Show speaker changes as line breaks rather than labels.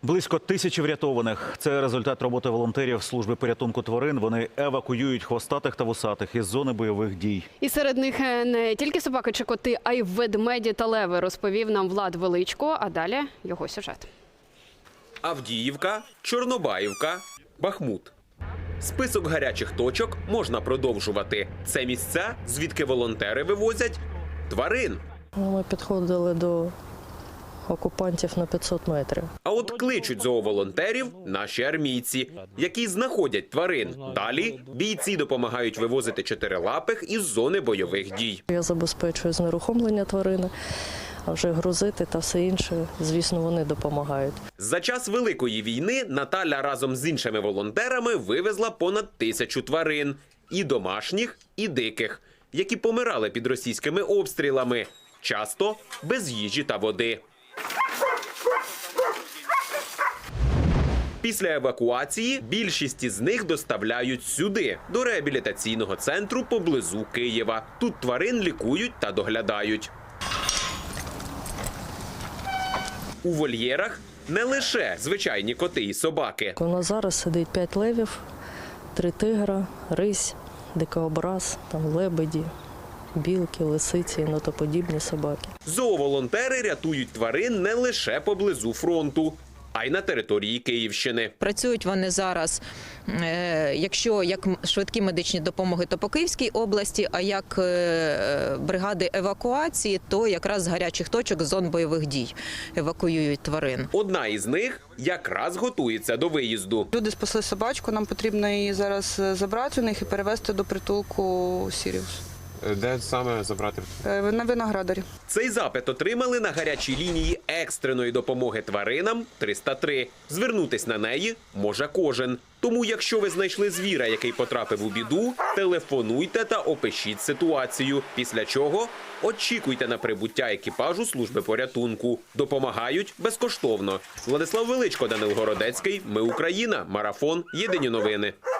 Близько 1000 врятованих. Це результат роботи волонтерів служби порятунку тварин. Вони евакуюють хвостатих та вусатих із зони бойових дій.
І серед них не тільки собаки чи коти, а й ведмеді та леви, розповів нам Влад Величко. А далі його сюжет.
Авдіївка, Чорнобаївка, Бахмут. Список гарячих точок можна продовжувати. Це місця, звідки волонтери вивозять тварин.
Ми підходили до окупантів на 500 метрів.
А от кличуть зооволонтерів наші армійці, які знаходять тварин. Далі бійці допомагають вивозити чотирилапих із зони бойових дій.
Я забезпечую знерухомлення тварини, а вже грузити та все інше, звісно, вони допомагають.
За час Великої війни Наталя разом з іншими волонтерами вивезла понад 1000 тварин. І домашніх, і диких, які помирали під російськими обстрілами. Часто без їжі та води. Після евакуації більшість із них доставляють сюди, до реабілітаційного центру поблизу Києва. Тут тварин лікують та доглядають. У вольєрах не лише звичайні коти і собаки.
У нас зараз сидить 5 левів, 3 тигра, рись, дикообраз, там лебеді, білки, лисиці, нотоподібні собаки.
Зооволонтери рятують тварин не лише поблизу фронту, а й на території Київщини.
Працюють вони зараз, якщо як швидкі медичні допомоги, то по Київській області, а як бригади евакуації, то якраз з гарячих точок зон бойових дій евакуюють тварин.
Одна із них якраз готується до виїзду.
Люди спасли собачку, нам потрібно її зараз забрати у них і перевезти до притулку Сіріус.
Де саме забрати?
На Виноградарі.
Цей запит отримали на гарячій лінії екстреної допомоги тваринам 303. Звернутись на неї може кожен. Тому, якщо ви знайшли звіра, який потрапив у біду, телефонуйте та опишіть ситуацію. Після чого очікуйте на прибуття екіпажу служби порятунку. Допомагають безкоштовно. Владислав Величко, Данил Городецький. Ми Україна. Марафон. Єдині новини.